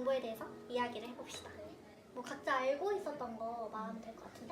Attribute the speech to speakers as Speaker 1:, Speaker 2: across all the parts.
Speaker 1: 정보에 대해서 이야기를 해봅시다. 뭐 각자 알고 있었던 거 말하면 될 것 같은데?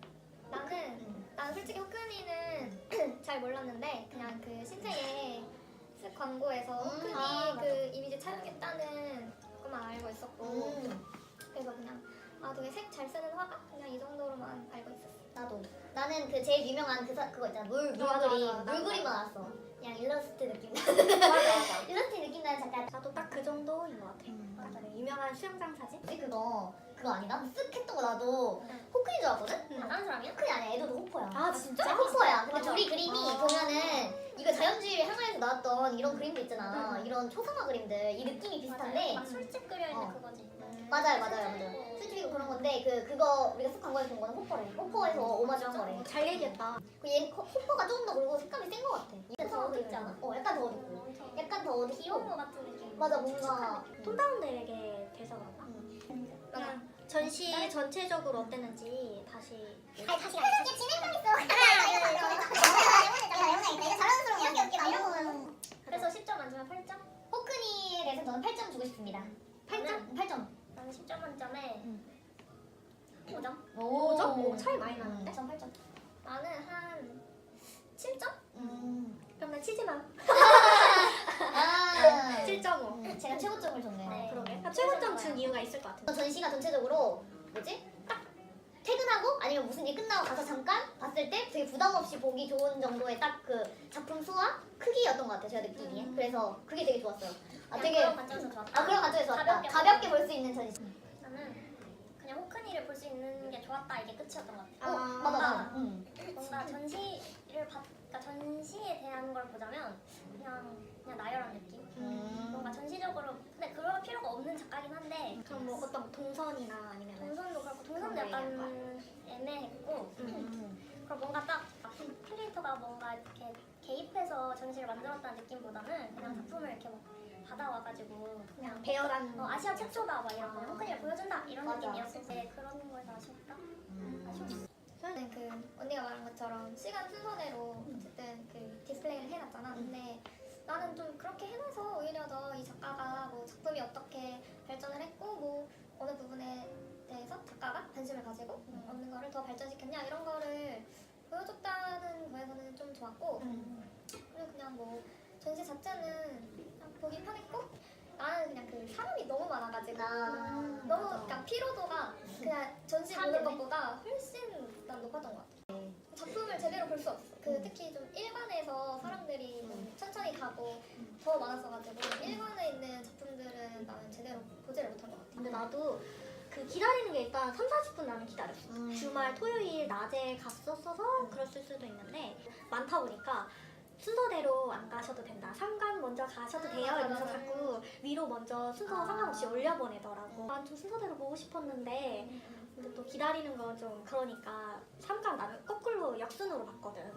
Speaker 2: 나는 솔직히 호크니는 잘 몰랐는데 그냥 그 신세계 쓱 광고에서 호크니 그 이미지 촬영했다는 것만 알고 있었고 그래서 그냥 되게 색 잘 쓰는 화가 그냥 이 정도로만 알고 있었어.
Speaker 3: 나는 그 제일 유명한 그거 있잖아. 물 그림만 알았어. 그냥 일러스트 느낌.
Speaker 1: 맞아.
Speaker 3: 일러스트 느낌 나는 작가.
Speaker 1: 나도 딱 그 정도인 것 같아. 맞아. 유명한 수영장 사진?
Speaker 3: 혹시 그거 아니다? 쓱 했던 거 나도 호크인 줄 알았거든?
Speaker 2: 다른 사람이야?
Speaker 3: 호크이 아니야. 애도 호퍼야.
Speaker 1: 아 진짜?
Speaker 3: 호퍼야. 근데
Speaker 1: 맞아.
Speaker 3: 둘이 그림이 보면은 이거 자연주의 향하에서 나왔던 이런 그림도 있잖아. 이런 초상화 그림들. 이 느낌이 비슷한데
Speaker 2: 막 술집 그려있는 그거지.
Speaker 3: 맞아요. 솔직히 그런 건데 그거 우리가 쓱 광고에서 본 거는 호퍼래. 호퍼에서 오마주한 거래.
Speaker 1: 잘 얘기했다.
Speaker 3: 얘 호퍼가 조금 더 그리고 색감이 센 거 같아. 얘는 더 어둡지 않아? 약간 더 어둡고. 약간 더 어둡고.
Speaker 2: 귀여운 거 같은 느낌.
Speaker 3: 맞아 뭔가
Speaker 1: 톤다운되게 돼서 그런가? 그냥 전시 전체적으로 어땠는지 다시
Speaker 3: 다시 진행감 있어. 내가 자랑스러운 웃기다 이런 거.
Speaker 2: 그래서 10점 만점에 8점?
Speaker 3: 호크니에 대해서 저는 8점 주고 싶습니다. 8점?
Speaker 2: 나는 10점 만점에 5점?
Speaker 1: 5점? 오, 차이 많이 나는데?
Speaker 3: 8점.
Speaker 2: 나는 한 7점?
Speaker 1: 그럼 난 치즈만
Speaker 3: 아
Speaker 1: 7.5.
Speaker 3: 제가 최고점을 줬네요.
Speaker 2: 네.
Speaker 1: 그러게. 최고점 준 이유가 있을 것 같은데.
Speaker 3: 전시가 전체적으로 딱 퇴근하고 아니면 무슨 일 끝나고 가서 잠깐 봤을 때 되게 부담 없이 보기 좋은 정도의 딱 그 작품 수와 크기였던 것 같아요. 제가 느끼기에. 그래서 그게 되게 좋았어요. 되게
Speaker 2: 그런 관점에서 좋았다.
Speaker 3: 그런 관점에서 좋았다. 가볍게 볼 수 있는 전시.
Speaker 2: 나는 그냥 호크니를 볼 수 있는 게 좋았다 이게 끝이었던 것 같아.
Speaker 3: 맞아.
Speaker 2: 뭔가 그러니까 전시에 대한 걸 보자면 그냥 나열한 느낌. 뭔가 전시적으로 근데 그럴 필요가 없는 작가긴 한데
Speaker 1: 그럼 뭐 어떤 동선이나 아니면
Speaker 2: 동선도 그렇고 동선도 약간 애매했고 그리고 뭔가 딱 큐레이터가 뭔가 이렇게 개입해서 전시를 만들었다는 느낌보다는 그냥 작품을 이렇게 막 받아와가지고 그냥
Speaker 1: 배열한
Speaker 2: 아시아 최초다 막 이런 호크니를 보여준다 이런
Speaker 3: 맞아.
Speaker 2: 느낌이었을 때 그런 거에서 아쉬웠다. 아쉬웠어. 저는 그 언니가 말한 것처럼 시간 순서대로 어쨌든 그 디스플레이를 해놨잖아. 근데 나는 좀 그렇게 해놔서 오히려 더 이 작가가 뭐 작품이 어떻게 발전을 했고 뭐 어느 부분에 대해서 작가가 관심을 가지고 어느 거를 더 발전시켰냐 이런 거를 보여줬다는 거에서는 좀 좋았고 그리고 그냥 뭐 전시 자체는 그냥 보기 편했고 나는 그냥 그 사람이 너무 많아가지고 너무 그냥 피로도가 그냥 전시 보는 것보다 훨씬 난 높았던 것 같아. 작품을 제대로 볼 수 없어. 특히 좀 일관에서 사람들이 좀 천천히 가고 더 많았어가지고 일관에 있는 작품들은 나는 제대로 보지를 못한 것 같아.
Speaker 1: 근데 나도 그 기다리는 게 일단 3-40분 나는 기다렸어. 주말 토요일 낮에 갔었어서 그랬을 수도 있는데 많다 보니까 순서대로 안 가셔도 된다. 3관 먼저 가셔도 돼요. 이러면서 자꾸 위로 먼저 순서 상관없이 올려보내더라고. 난 좀 순서대로 보고 싶었는데 근데 또 기다리는 건 좀 그러니까 3관 나는 거꾸로 역순으로 봤거든.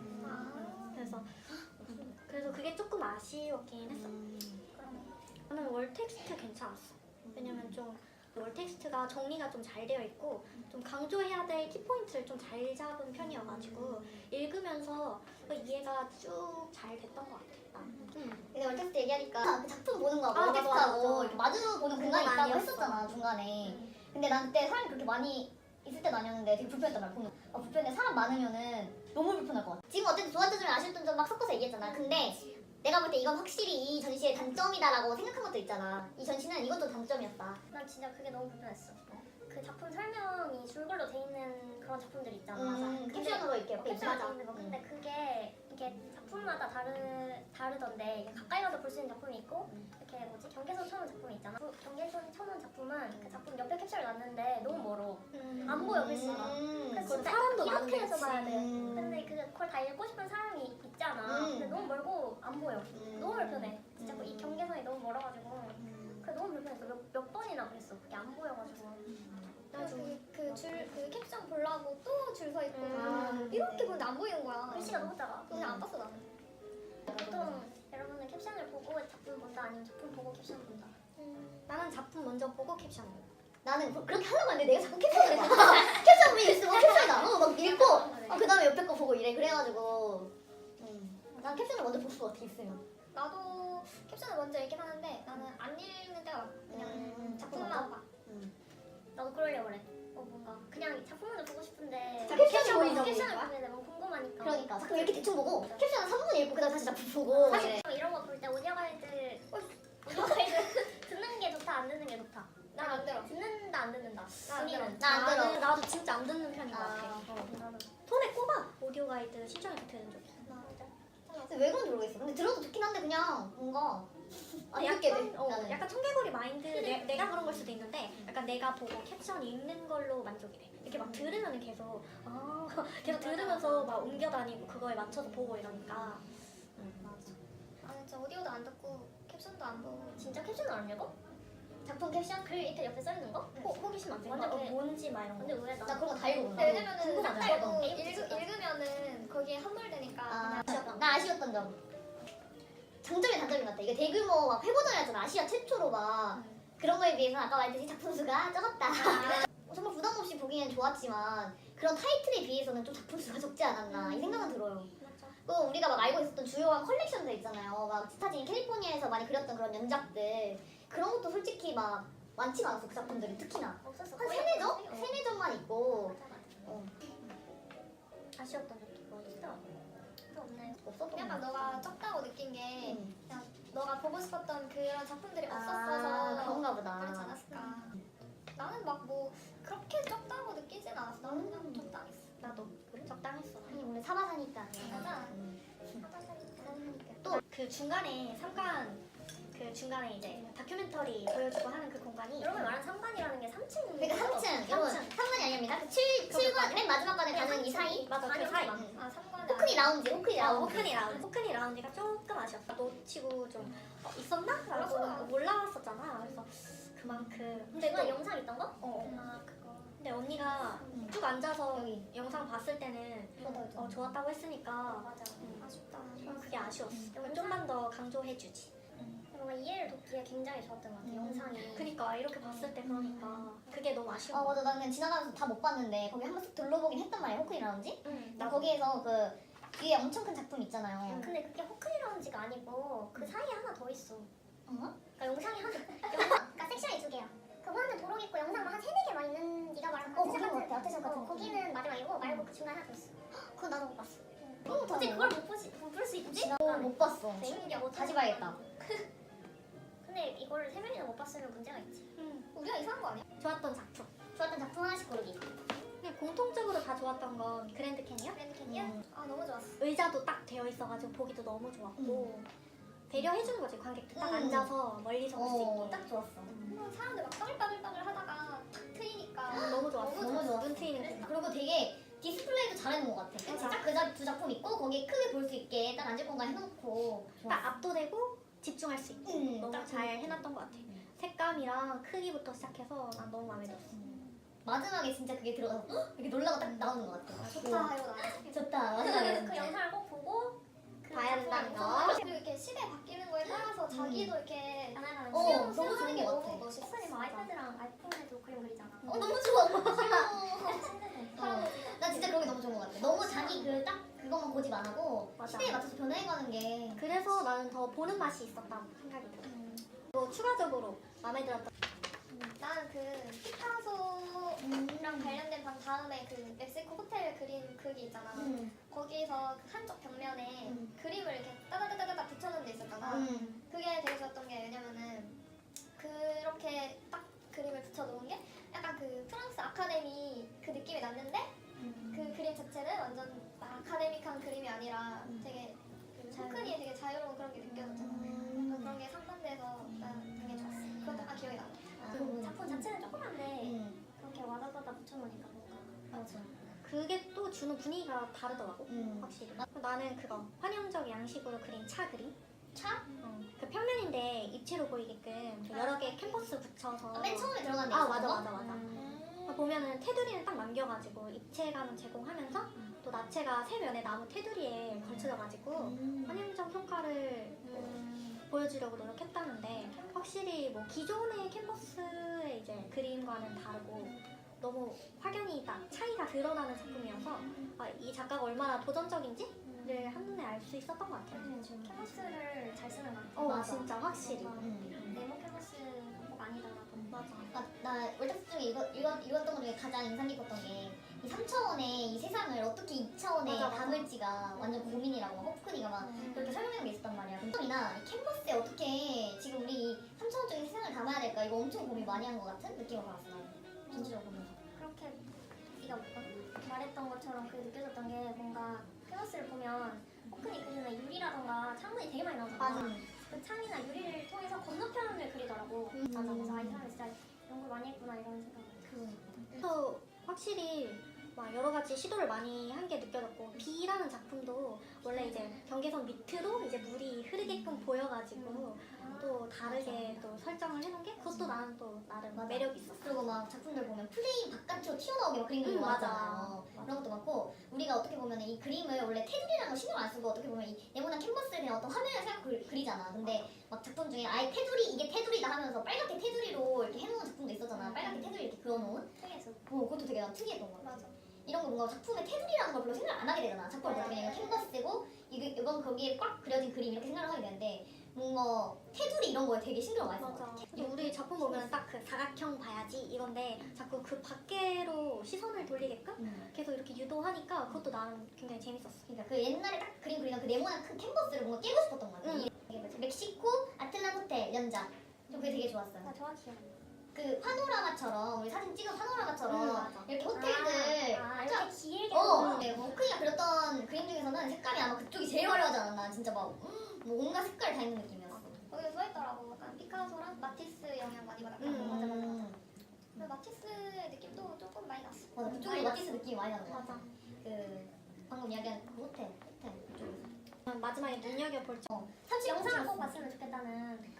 Speaker 1: 그래서 그게 조금 아쉬웠긴 했어. 나는 월 텍스트 괜찮았어. 왜냐면 좀 월 텍스트가 정리가 좀 잘 되어 있고 좀 강조해야 될 키포인트를 좀 잘 잡은 편이어가지고 읽으면서 이해가 쭉 잘 됐던 것 같아.
Speaker 3: 근데 월텍스트 얘기하니까 그 작품 보는 거하고
Speaker 1: 맞아,
Speaker 3: 월텍스트하고
Speaker 1: 맞아.
Speaker 3: 이렇게 마주 보는 공간이 있다고
Speaker 1: 아니었어.
Speaker 3: 했었잖아 중간에. 근데 난 그때 사람이 그렇게 많이 있을 때는 아니었는데 되게 불편했단 말이야. 보면 불편해. 사람 많으면은 너무 불편할 것 같아. 지금 어쨌든 좋았던 점이 아쉬웠던 점 막 섞어서 얘기했잖아. 근데 내가 볼 때 이건 확실히 이 전시의 단점이다라고 생각한 것도 있잖아. 이 전시는 이것도 단점이었다.
Speaker 2: 난 진짜 그게 너무 불편했어. 그 작품 설명이 줄글로 돼 있는 그런 작품들이 있잖아.
Speaker 3: 캡션으로 이렇게 옆에
Speaker 2: 캡션으로 돼
Speaker 3: 있잖아.
Speaker 2: 있는 거. 근데 그게 이게 작품마다 다르던데 이게 가까이 가서 볼 수 있는 작품이 있고 이렇게 경계선 쳐놓은 작품이 있잖아. 그 경계선 쳐놓은 작품은 그 작품 옆에 캡션을 놨는데 너무 멀어. 안 보여 글씨가. 그래서 진짜
Speaker 1: 사람도
Speaker 2: 이렇게 해서
Speaker 1: 많은데,
Speaker 2: 봐야 돼.
Speaker 1: 그치.
Speaker 2: 근데 그걸 다 읽고 싶은 사람이 있잖아. 근데 너무 멀고 안 보여. 너무 불편해. 진짜 이 경계선이 너무 멀어가지고 그게 너무 불편했어. 몇 번이나 그랬어. 그게 안 보여가지고. 그 캡션 보려고 또 줄 서 있고 이렇게 보는데 안 보이는 거야. 글씨가 너무 작아. 그냥 안 봤어 나는. 보통 여러분은 캡션을 보고 작품 본다 아니면 작품 보고 캡션 본다?
Speaker 1: 나는 작품 먼저 보고 캡션.
Speaker 3: 나는 그렇게 하려고 하는데 내가 자꾸 캡션을 봐. 캡션 보면 있으면 캡션이 나와. 막 읽고 그 다음에 옆에 거 보고 이래. 그래가지고 난 캡션을 먼저 볼 수가 어떻게 있으면.
Speaker 2: 나도 캡션을 먼저 읽긴 하는데 나는 안 읽는 때가 많아. 그냥 작품만 거야? 근데 너무 궁금하니까.
Speaker 3: 그러니까 작품 이렇게 대충 보고 캡션은 3분 읽고 그다음 다시 작품 보고
Speaker 2: 사실 이런 거 볼 때 오디오 가이드 듣는 게 좋다 안 듣는 게 좋다. 난 안 들어. 듣는다 안 듣는다. 나안 들어.
Speaker 3: 나안 들어.
Speaker 1: 나도 진짜 안 듣는 편인 것 같아.
Speaker 2: 나도.
Speaker 1: 손에 꼽아 오디오 가이드 신청해서 들은 적 있어.
Speaker 3: 근데 왜 그런지 모르겠어. 근데 들어도 좋긴 한데 그냥 뭔가 안
Speaker 1: 약간,
Speaker 3: 듣게 돼. 나는.
Speaker 1: 약간 청개구리 마인드 내가 그런 걸 수도 있는데 약간 내가 보고 캡션 읽는 걸로 만족이 돼. 이렇게 막 들으면 계속 계속 들으면서 막 옮겨 다니고 그거에 맞춰서 보고 이러니까. 맞아.
Speaker 2: 나는 진짜 오디오도 안 듣고 캡션도 안 보고. 진짜 캡션을 안 읽어? 작품 캡션 글 이렇게 옆에 써 있는 거?
Speaker 1: 호기심 안
Speaker 2: 완전
Speaker 1: 생겨.
Speaker 2: 걔-
Speaker 1: 뭔지 막 이런 거.
Speaker 2: 완전 의외다.
Speaker 3: 나 그런 거 다 읽어본다.
Speaker 2: 왜냐면은
Speaker 3: 궁금하잖아.
Speaker 2: 딱 달고 읽으면은 거기에 함몰되니까.
Speaker 3: 아, 나 아쉬웠던 점. 장점이 단점인 것 같아. 이게 대규모 막 회고전이었잖아. 아시아 최초로 막 그런 거에 비해서 아까 말했듯이 작품 수가 적었다. 정말 부담 없이 보기엔 좋았지만 그런 타이틀에 비해서는 좀 작품 수가 적지 않았나 이 생각은 들어요.
Speaker 2: 맞아.
Speaker 3: 또 우리가 막 알고 있었던 주요한 컬렉션들 있잖아요. 막 스타진 캘리포니아에서 많이 그렸던 그런 연작들 그런 것도 솔직히 막 많지가 않았어. 그 작품들이 특히나
Speaker 2: 없었어.
Speaker 3: 한
Speaker 2: 거의
Speaker 3: 세네 점?
Speaker 2: 없었어.
Speaker 3: 세네 점만 있고
Speaker 2: 맞아, 맞아.
Speaker 3: 어,
Speaker 1: 아쉬웠던 적도 뭐 있어?
Speaker 2: 또 없나요?
Speaker 3: 없었던
Speaker 2: 약간
Speaker 3: 것
Speaker 2: 너가 적다고 느낀 게
Speaker 3: 음.
Speaker 2: 그냥 너가 보고 싶었던 그런 작품들이
Speaker 3: 아,
Speaker 2: 없었어서
Speaker 3: 그런가 보다.
Speaker 2: 그렇지 않았을까. 나는 막 뭐 그렇게 적다고 느끼진 않았어. 나는 그냥 적당했어.
Speaker 1: 나도 적당했어.
Speaker 3: 아니 오늘 사바사니까
Speaker 2: 맞아.
Speaker 3: 또
Speaker 1: 그 중간에 그 중간에 이제 다큐멘터리 보여주고 하는 그 공간이
Speaker 2: 여러분 말하는 3관이라는 게 3층.
Speaker 3: 그러니까 3층 여러분 3관이 아닙니다. 그 7관 맨 마지막 관에 가는 이 사이
Speaker 1: 맞아 그
Speaker 2: 아니,
Speaker 1: 사이.
Speaker 2: 아 3관.
Speaker 3: 호크니 라운지 호크니 라운지
Speaker 1: 호크니 라운지가 조금 아쉬웠다. 놓치고 좀 있었나?
Speaker 2: 몰랐어.
Speaker 1: 라고 몰랐었잖아. 그래서 그만큼. 근데
Speaker 2: 내가
Speaker 1: 또
Speaker 2: 영상 있던 거?
Speaker 1: 어.
Speaker 2: 그거.
Speaker 1: 근데 언니가 쭉 앉아서
Speaker 3: 여기.
Speaker 1: 영상 봤을 때는 좋았다고 했으니까
Speaker 2: 맞아. 아쉽다.
Speaker 1: 그게 아쉬웠어.
Speaker 2: 영상?
Speaker 1: 좀만 더 강조해주지.
Speaker 2: 뭔가 이해를 돕기에 굉장히 좋았던 것 같아. 영상이.
Speaker 1: 그니까 이렇게 봤을 때 그러니까 그게 너무 아쉬워.
Speaker 3: 아 맞아 나 그냥 지나가면서 다 못 봤는데 거기 한 번씩 둘러보긴 했단 말이야 호크니 라운지
Speaker 1: 응,
Speaker 3: 나 거기에서 그 뒤에 엄청 큰 작품 있잖아요
Speaker 2: 근데 그게 호크니 라운지가 아니고 그 사이에 하나 더 있어.
Speaker 3: 어?
Speaker 2: 그러니까 영상이 그러니까 섹션이 두 개야. 그거 하면 도록 있고 영상만 한 3-4개만 있는 네가 말한
Speaker 3: 그런 것 같아 아테션 같은
Speaker 2: 거기는 마지막이고 말고 그 중간에 하나 더 있어.
Speaker 3: 그거 나도 못 봤어
Speaker 2: 어떻게 그걸 못 볼 수 있지?
Speaker 3: 못 봤어
Speaker 2: 신기하고
Speaker 3: 다시 봐야겠다
Speaker 2: 근데 이걸 3명이나 못 봤으면 문제가 있지.
Speaker 1: 응.
Speaker 2: 우리가 이상한 거 아니야?
Speaker 1: 좋았던 작품.
Speaker 3: 좋았던 작품 하나씩 고르기
Speaker 1: 그냥 공통적으로 다 좋았던 건 그랜드 캐니언?
Speaker 2: 그랜드 캐니언? 아 너무 좋았어.
Speaker 1: 의자도 딱 되어 있어가지고 보기도 너무 좋았고 배려해주는 거지 관객들 딱 앉아서 멀리서 볼 수 있게.
Speaker 3: 딱 좋았어
Speaker 2: 사람들 막 따글따글따글 하다가 탁 트이니까
Speaker 1: 너무 좋았어.
Speaker 3: 너무 좋았어.
Speaker 1: 눈 트이는 그.
Speaker 3: 그리고 되게 디스플레이도 잘해놓은 것 같아 진짜 그 두 작품 있고 거기에 크게 볼 수 있게 딱 앉을 공간 해놓고
Speaker 1: 딱 압도되고 집중할 수 있게 너무
Speaker 3: 딱
Speaker 1: 잘 해놨던 것 같아. 색감이랑 크기부터 시작해서 난 너무 마음에 들었어.
Speaker 3: 마지막에 진짜 그게 들어가서 헉! 이렇게 놀라고 딱 나오는 것 같아
Speaker 2: 좋다 이거 나.
Speaker 3: 좋다 마지막에
Speaker 2: 그 영상을 꼭 보고
Speaker 1: 봐야 된다는 거.
Speaker 2: 그리고 이렇게 시대 바뀌는 거에 따라서 자기도 이렇게
Speaker 1: 하나하나
Speaker 3: 너무
Speaker 2: 수영하는 게
Speaker 3: 좋은 것
Speaker 2: 너무
Speaker 3: 같아.
Speaker 2: 멋있어. 막 아이패드랑 아이폰에도 그림 그리잖아.
Speaker 3: 너무 좋아 나 진짜 그런 게 너무 좋은 것 같아 너무 자기 그 딱 그것만 고집 안 하고
Speaker 1: 맞아.
Speaker 3: 시대에 맞춰서 변해가는 게
Speaker 1: 그래서 나는 더 보는 맛이 있었다고 생각이 들어. 또 추가적으로 마음에 들었던
Speaker 2: 나는 그 피카소랑 관련된 방 다음에 그 멕시코 호텔 그린 그게 있잖아. 거기서 그 한쪽 벽면에 그림을 이렇게 따다다다다 붙여놓은 데 있었잖아. 그게 되게 좋았던 게 왜냐면은 그렇게 딱 그림을 붙여놓은 게 약간 그 프랑스 아카데미 그 느낌이 났는데 그 그림 자체는 완전 아카데믹한 그림이 아니라 되게 그 소크니에 되게 자유로운 그런 게 느껴졌잖아. 그래서 그런 게 상반돼서 난 되게 좋았어. 그것도 약간 기억이 나. 그 작품 자체는 조그만데 그렇게 와다다다 붙여놓으니까 뭔가
Speaker 3: 맞아
Speaker 1: 그게 또 주는 분위기가 다르더라고. 확실히. 나는 그거 환영적 양식으로 그린 차 그림.
Speaker 3: 차?
Speaker 1: 그 평면인데 입체로 보이게끔 그 여러 개 캔버스 붙여서.
Speaker 3: 맨 처음에 들어간 데
Speaker 1: 아
Speaker 3: 있었던
Speaker 1: 맞아
Speaker 3: 거?
Speaker 1: 맞아 맞아. 보면은 테두리는 딱 남겨가지고 입체감을 제공하면서 또 나체가 세 면에 나무 테두리에 걸쳐져가지고 환영적 효과를 보여주려고 노력했다는데 확실히 뭐 기존의 캔버스의 이제 그림과는 다르고 너무 확연히 딱 차이가 드러나는 작품이어서 이 작가가 얼마나 도전적인지를 한눈에 알 수 있었던 것 같아요.
Speaker 2: 캔버스를 잘 쓰는 것 같아.
Speaker 1: 진짜 확실히.
Speaker 2: 네모 캔버스는 꼭 아니더라도.
Speaker 1: 맞아.
Speaker 3: 나 월드스 중에 읽었던 것 중에 가장 인상 깊었던 게 이 3차원의 이 세상을 어떻게 2차원에
Speaker 1: 맞아, 맞아.
Speaker 3: 담을지가 완전 고민이라고 막 호프쿠니가 막 그렇게 설명한 게 있었단 말이야. 그이나 캔버스에 어떻게 지금 우리 이 3차원적인 세상을 담아야 될까 이거 엄청 고민 많이 한 것 같은 느낌을 받았어. 전체적으로 보면서.
Speaker 2: 그렇게 네가 말했던 것처럼 그 느껴졌던 게 뭔가 캔버스를 보면 호크니 그리는 유리라던가 창문이 되게 많이 나오잖아.
Speaker 3: 맞아.
Speaker 2: 그 창이나 유리를 통해서 건너편을 그리더라고.
Speaker 3: 맞아.
Speaker 2: 그래서 아, 이 사람이 진짜 이런 걸 많이 했구나 이런 생각을.
Speaker 1: 또 확실히 막 여러 가지 시도를 많이 한 게 느껴졌고 비라는 작품도 원래 이제 경계선 밑으로 이제 물이 흐르게끔 보여가지고 또 다르게 또 설정을 해놓은 게 그것도 나는 또 나름
Speaker 3: 맞아.
Speaker 1: 매력이 있었어.
Speaker 3: 그리고 막 작품들 보면 프레임 바깥으로 튀어나오게 막 그림들이
Speaker 1: 맞아.
Speaker 3: 많잖아요. 그런 것도 많고 우리가 어떻게 보면 이 그림을 원래 테두리라는 거 신경 안 쓰고 어떻게 보면 이 네모난 캔버스에 그냥 어떤 화면을 생각 그리잖아. 근데 막 작품 중에 아예 테두리 이게 테두리다 하면서 빨갛게 테두리로 이렇게 해놓은 작품도 있었잖아. 빨갛게 테두리 이렇게 그어놓은.
Speaker 2: 특이했어.
Speaker 3: 그것도 되게 난 특이했던 거 같아.
Speaker 2: 맞아.
Speaker 3: 이런 거 뭔가 작품의 테두리라는 걸 별로 생각을 안 하게 되잖아. 작품을 보면 그냥 이거 캔버스고 이건 거기에 꽉 그려진 그림 이렇게 생각을 하게 되는데 뭔가 테두리 이런 거에 되게 신경을 많이 써.
Speaker 1: 맞아. 근데 우리 작품 보면 딱 그 사각형 봐야지 이건데 자꾸 그 밖으로 시선을 돌리게끔 계속 이렇게 유도하니까 그것도 나는 굉장히 재밌었어.
Speaker 3: 그러니까 그 옛날에 딱 그림 그리던 그 네모난 큰 캔버스를 뭔가 깨고 싶었던 것 같아.
Speaker 1: 응.
Speaker 3: 이게 뭐지? 멕시코 아틀란 호텔 연작. 저 그게 되게 좋았어요.
Speaker 2: 나 정확히 기억나.
Speaker 3: 그 파노라마처럼 우리 사진 찍은 파노라마처럼
Speaker 1: 맞아.
Speaker 3: 이렇게 호텔들
Speaker 2: 이렇게 길게
Speaker 3: 네, 뭐 호크니가 그렸던 그림 중에서는 색감이 아마 그쪽이 제일 화려하지 않았나. 진짜 막 뭐 온갖 색깔 다 있는 느낌이었어.
Speaker 2: 거기서 좋아했더라고. 약간 피카소랑 마티스 영향 많이 받았다고.
Speaker 1: 맞아, 맞아,
Speaker 3: 맞아.
Speaker 2: 근데 마티스 느낌도 조금 많이 났어.
Speaker 3: 맞아. 그쪽이 마티스 느낌이 많이 나는 것 같아.
Speaker 1: 맞아.
Speaker 3: 그 방금 이야기한 그 호텔 그쪽에서.
Speaker 1: 마지막에 눈여겨볼 점.
Speaker 3: 30
Speaker 2: 영상을 꼭 봤으면 좋겠다는.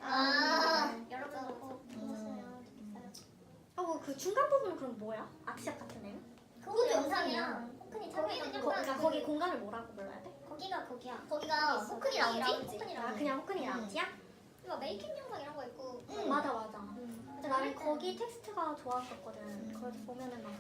Speaker 2: 여러분도 꼭 보셨으면 좋겠어요.
Speaker 1: 하고 그 중간 부분은 그럼 뭐야? 아트샵 같은 애는?
Speaker 3: 그것도 영상이야.
Speaker 2: 호크니
Speaker 3: 거기는
Speaker 2: 자기는
Speaker 1: 그러니까 거기 공간을 뭐라고 불러야 돼?
Speaker 2: 거기가 거기야.
Speaker 3: 거기가 호크니 라운지?
Speaker 2: 호크니
Speaker 1: 아
Speaker 2: 라운지.
Speaker 1: 그냥 호크니 라운지야?
Speaker 2: 막 메이킹 영상 이런 거 있고.
Speaker 1: 맞아 맞아. 근데 나는 거기 텍스트가 좋았었거든. 거기서 보면은 막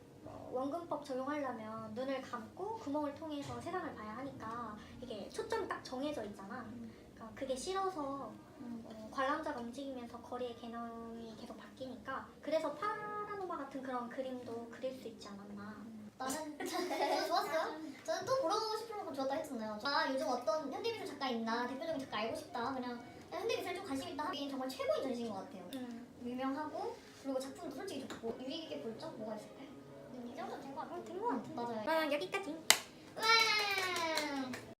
Speaker 1: 원근법 적용하려면 눈을 감고 구멍을 통해서 세상을 봐야 하니까 이게 초점이 딱 정해져 있잖아. 그러니까 그게 싫어서 관람자가 움직이면서 거리의 개념이 계속 바뀌니까 그래서 파라노마 같은 그런 그림도 그릴 수 있지 않았나.
Speaker 3: 나는 저는 좋았어요. 저는 또 보러 가고 싶은 만큼 좋았다 했잖아요. 아 요즘 어떤 현대미술 작가 있나 대표적인 작가 알고 싶다. 그냥 현대미술 좀 관심 있다 하긴 정말 최고인 전시인 것 같아요. 유명하고 그리고 작품도 솔직히 좋고 유익 있게 볼 점 뭐가 있을까요?
Speaker 2: 이 정도 된거 같아.
Speaker 1: 된거 같아.
Speaker 3: 맞아요.
Speaker 1: 그럼 여기까지.
Speaker 3: 와